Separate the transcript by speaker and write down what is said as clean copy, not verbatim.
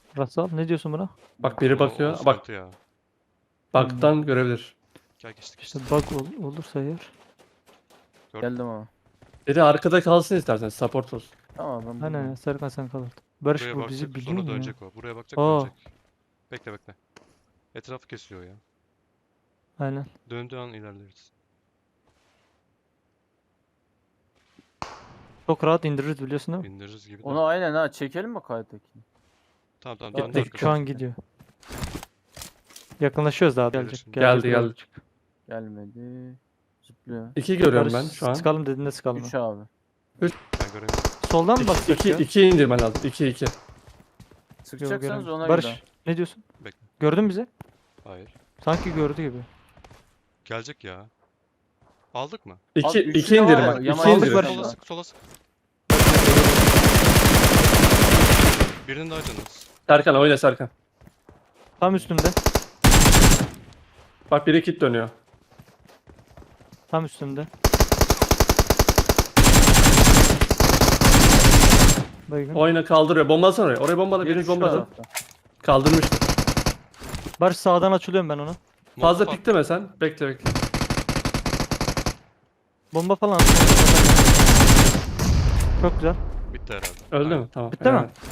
Speaker 1: Rasal ne diyorsun buna?
Speaker 2: Bak biri
Speaker 3: O
Speaker 2: bakıyor. Bak
Speaker 3: sıkıntı ya.
Speaker 2: baktan görebilir.
Speaker 3: Gel geçtik
Speaker 1: İşte
Speaker 3: işte.
Speaker 1: bug olursa eğer.
Speaker 4: Geldim ama.
Speaker 2: Biri arkada kalsın istersen support olsun.
Speaker 4: Tamam ben
Speaker 1: Aynen
Speaker 4: buradayım.
Speaker 1: ya Serkan sen kalırdın. Barış
Speaker 3: Buraya
Speaker 1: bu bizi
Speaker 3: bakacak
Speaker 1: biliyor
Speaker 3: sonra
Speaker 1: mu ya?
Speaker 3: dönecek o. Buraya bakacak
Speaker 1: Aa.
Speaker 3: dönecek. Bekle bekle. Etrafı kesiyor ya.
Speaker 1: Aynen.
Speaker 3: Döndüğü an ilerleriz.
Speaker 1: Çok rahat indiririz biliyorsun değil mi?
Speaker 3: İndiririz gibi de.
Speaker 4: Onu aynen ha çekelim mi kayıttakini?
Speaker 3: Tamam tamam
Speaker 1: Ya,
Speaker 3: döndü
Speaker 1: şu
Speaker 3: arkasına.
Speaker 1: an gidiyor. Yakınlaşıyoruz daha
Speaker 3: Gelir
Speaker 1: gelecek.
Speaker 3: şimdi.
Speaker 2: Geldi,
Speaker 1: Gelecek,
Speaker 2: geldi.
Speaker 1: gelecek.
Speaker 4: Gelmedi. Zıplıyor.
Speaker 2: 2 görüyorum
Speaker 1: Barış,
Speaker 2: ben şu an.
Speaker 1: Sıkalım dediğinde sıkalım.
Speaker 4: 3 abi.
Speaker 3: Ben göremiyorum.
Speaker 1: Soldan mı baksak
Speaker 2: 2
Speaker 1: ya?
Speaker 2: 2 indirmen lazım. 2 2.
Speaker 1: Yok,
Speaker 4: Sıkacaksanız
Speaker 1: göremiyorum.
Speaker 4: ona
Speaker 1: Barış
Speaker 4: göre.
Speaker 1: ne diyorsun?
Speaker 3: Bekle.
Speaker 1: Gördün mü bizi?
Speaker 3: Hayır.
Speaker 1: Sanki gördü gibi.
Speaker 3: Gelecek ya. Aldık mı?
Speaker 2: 2
Speaker 4: üçü
Speaker 2: 2
Speaker 4: de var
Speaker 2: indirim
Speaker 4: ya,
Speaker 2: bak. 2
Speaker 4: Yaman
Speaker 1: Aldık
Speaker 2: indirim.
Speaker 1: Barış.
Speaker 3: Sola sık sola sık. Birinin daha canı az.
Speaker 2: Serkan oyna Serkan.
Speaker 1: Tam üstümde.
Speaker 2: Bak biri kit dönüyor.
Speaker 1: Tam üstümde. Baygın.
Speaker 2: Oyna kaldırıyor. Bombalasana oraya. Oraya bombala.
Speaker 4: Biri
Speaker 2: Biriniz
Speaker 4: şu
Speaker 2: bombala.
Speaker 4: tarafta.
Speaker 2: Kaldırmıştır.
Speaker 1: Barış sağdan açılıyorum ben ona.
Speaker 2: Fazla
Speaker 3: Molotof
Speaker 2: pikleme sen. Bekle bekle.
Speaker 1: Bomba falan. Çok güzel.
Speaker 3: Bitti herhalde.
Speaker 2: Öldü
Speaker 3: Aynen.
Speaker 2: mü? Tamam.
Speaker 1: Bitti mi?
Speaker 2: evet.